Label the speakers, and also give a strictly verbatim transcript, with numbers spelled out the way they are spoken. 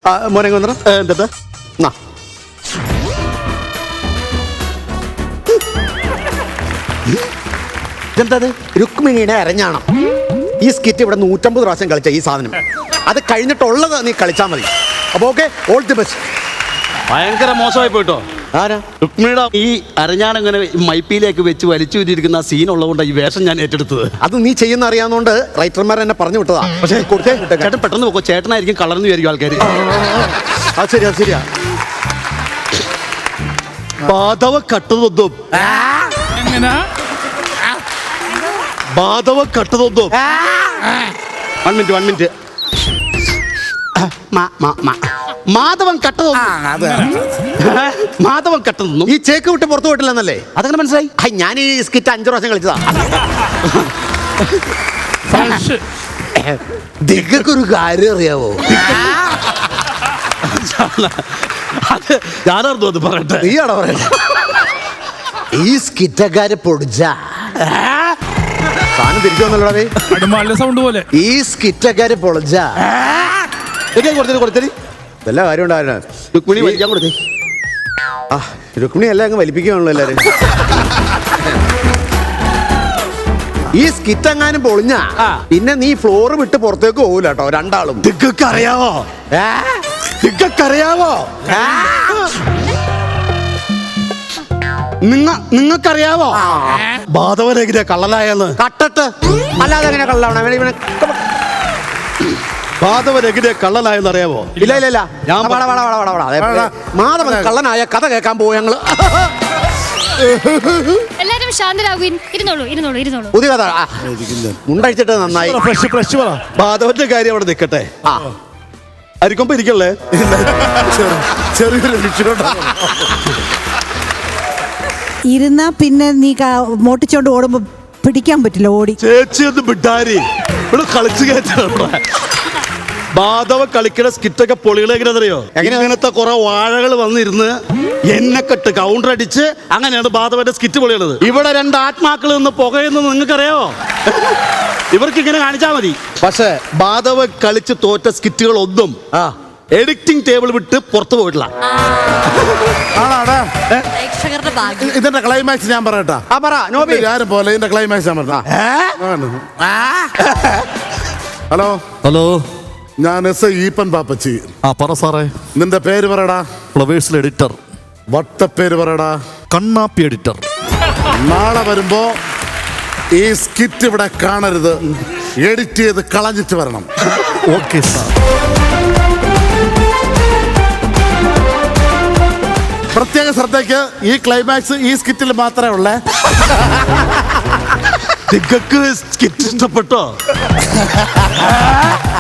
Speaker 1: മോനെ വന്നിട്ട് എന്താ ഇതെന്തത്? രുക്മിണിയുടെ അരഞ്ഞാണം. ഈ സ്കിറ്റ് ഇവിടെ നൂറ്റമ്പത് പ്രാവശ്യം കളിച്ച ഈ സാധനം അത് കഴിഞ്ഞിട്ടുള്ളത് നീ കളിച്ചാൽ മതി. അപ്പൊ ഓക്കെ, ഓൾ ദി ബെസ്റ്റ്.
Speaker 2: ഭയങ്കര മോശമായി പോയിട്ടോ.
Speaker 1: ആരാ?
Speaker 2: രുക്മിണിയുടെ ഈ അരഞ്ഞാണിങ്ങനെ മൈപ്പിയിലേക്ക് വെച്ച് വലിച്ചു വിട്ടിരിക്കുന്ന സീൻ ഉള്ളതുകൊണ്ടാണ് ഈ വേഷം ഞാൻ ഏറ്റെടുത്തത്.
Speaker 1: അത് നീ ചെയ്യുന്ന അറിയാവുന്നതുകൊണ്ട് റൈറ്റർമാർ എന്നെ പറഞ്ഞു വിട്ടതാ. പക്ഷേ
Speaker 2: ചേട്ടൻ പെട്ടെന്ന് പോക്കോ, ചേട്ടനായിരിക്കും കളർന്നു വിചാരിക്കും ആൾക്കാർ.
Speaker 1: അത് ശരിയാ ശരിയാ.
Speaker 2: ബാധവ കട്ടതൊന്നും ബാധവ കട്ടതൊന്നും one minute one minute Madhavan കട്ടതൊന്നും മാധവൻ കട്ടതൊന്നും
Speaker 1: ഈ ചേക്ക് വിട്ട് പുറത്തു പോയിട്ടില്ലെന്നല്ലേ?
Speaker 2: അതങ്ങനെ മനസ്സിലായി.
Speaker 1: ഞാൻ ഈ സ്കിറ്റ് അഞ്ചു പ്രാവശ്യം കളിച്ചതാ. ദിഗക്കൊരു കാര്യം അറിയാവോ?
Speaker 2: അത് ഞാനറിഞ്ഞു അത് പറയട്ടെ.
Speaker 1: നീയാണോ പറയട്ടെ? ഈ സ്കിറ്റക്കാര് പൊടിച്ച സാധനം തിരിച്ചു വന്നല്ലോടേ
Speaker 3: സൗണ്ട് പോലെ.
Speaker 1: ഈ സ്കിറ്റക്കാര് പൊളിച്ച കൊടുത്തേ കൊടുത്തേ എല്ലാ കാര്യം ഉണ്ടായിരുന്നു.
Speaker 2: രുക്മിണി വലിക്കാൻ കൊടുത്തേ.
Speaker 1: ആ രുക്മിണി എല്ലാം അങ്ങ് വലിപ്പിക്കുകയാണല്ലോ എല്ലാരും. ഈ സ്കിറ്റ് എങ്ങാനും പൊളിഞ്ഞ പിന്നെ നീ ഫ്ലോറ് വിട്ട് പുറത്തേക്ക് പോകൂല കേട്ടോ രണ്ടാളും.
Speaker 2: ദിഗക്കറിയാവോ ദിഗക്കറിയാവോ നിങ്ങ നിങ്ങൾക്കറിയാവോ ബാധവനെതിരെ കള്ളനായെന്ന്?
Speaker 1: കട്ടട്ട് അല്ലാതെ എങ്ങനെ കള്ളാവണ?
Speaker 2: ബാധവനെതിരെ കള്ളനായെന്ന് അറിയാവോ?
Speaker 1: ഇല്ല ഇല്ല ഇല്ല
Speaker 2: ഞാൻ
Speaker 1: മാധവൻ കള്ളനായ കഥ കേൾക്കാൻ പോവും ഞങ്ങള്.
Speaker 4: എല്ലാരും ശാന്തരാകുവിൻ. ഇരുന്നോളൂ ഇരുന്നോളൂ ഇരുന്നോളൂ.
Speaker 1: പുതിയ കഥ മുണ്ടഴിച്ചിട്ട് നന്നായി.
Speaker 2: ബാധവന്റെ കാര്യം അവിടെ നിൽക്കട്ടെ.
Speaker 1: ആ
Speaker 2: അരിക്കൊമ്പ് ഇരിക്കല്ലേ?
Speaker 1: ചെറിയൊരു
Speaker 5: ഇരുന്നാ പിന്നെ നീ മോട്ടിച്ചോണ്ട് ഓടുമ്പോ പിടിക്കാൻ പറ്റില്ല. ഓടി
Speaker 2: ചേച്ചി ഒന്ന് വിട്ടാരി ഇവിടെ കളിച്ചു കയറ്റാ. ബാധവ കളിക്കുന്ന സ്കിറ്റൊക്കെ പൊളികളെ എങ്ങനെയാണെന്നറിയോ? എങ്ങനത്തെ കുറെ വാഴകൾ വന്നിരുന്ന് എന്നെ കെട്ട് കൗണ്ടർ അടിച്ച് അങ്ങനെയാണ് ബാധവന്റെ സ്കിറ്റ് പൊളിയുള്ളത്. ഇവിടെ രണ്ട് ആത്മാക്കൾ നിന്ന് പുകയുന്നത് നിങ്ങൾക്കറിയാവോ? ഇവർക്ക് ഇങ്ങനെ കാണിച്ചാൽ മതി. പക്ഷെ ബാധവ കളിച്ച് തോറ്റ സ്കിറ്റുകൾ ഒന്നും എഡിറ്റിംഗ് ടേബിൾ വിട്ട് പുറത്തു പോയിട്ടില്ല.
Speaker 6: ഇതിന്റെ ക്ലൈമാക്സ് ഞാൻ പറയട്ടാ. ആരും പോലെ ഇതിന്റെ ക്ലൈമാക്സ് ഞാൻ പറഞ്ഞ. ഹലോ
Speaker 7: ഹലോ,
Speaker 6: ഞാൻ എസ് ഐ ഈപ്പൻ പാപ്പച്ചി.
Speaker 7: ആ പറ സാറേ.
Speaker 6: നിന്റെ പേര് പറയടാ.
Speaker 7: ഫ്ലവേഴ്സിൽ എഡിറ്റർ.
Speaker 6: വട്ടപ്പേര് പറയടാ.
Speaker 7: കണ്ണാപ്പി എഡിറ്റർ.
Speaker 6: നാളെ വരുമ്പോ ഈ സ്കിറ്റ് ഇവിടെ കാണരുത്. എഡിറ്റ് ചെയ്ത് കളഞ്ഞിട്ട് വരണം.
Speaker 7: Okay sir.
Speaker 6: പ്രത്യേക ശ്രദ്ധയ്ക്ക് ഈ ക്ലൈമാക്സ് ഈ സ്കിറ്റിൽ മാത്രമേ ഉള്ളേ.
Speaker 2: നിങ്ങൾക്ക് സ്കിറ്റ് ഇഷ്ടപ്പെട്ടോ?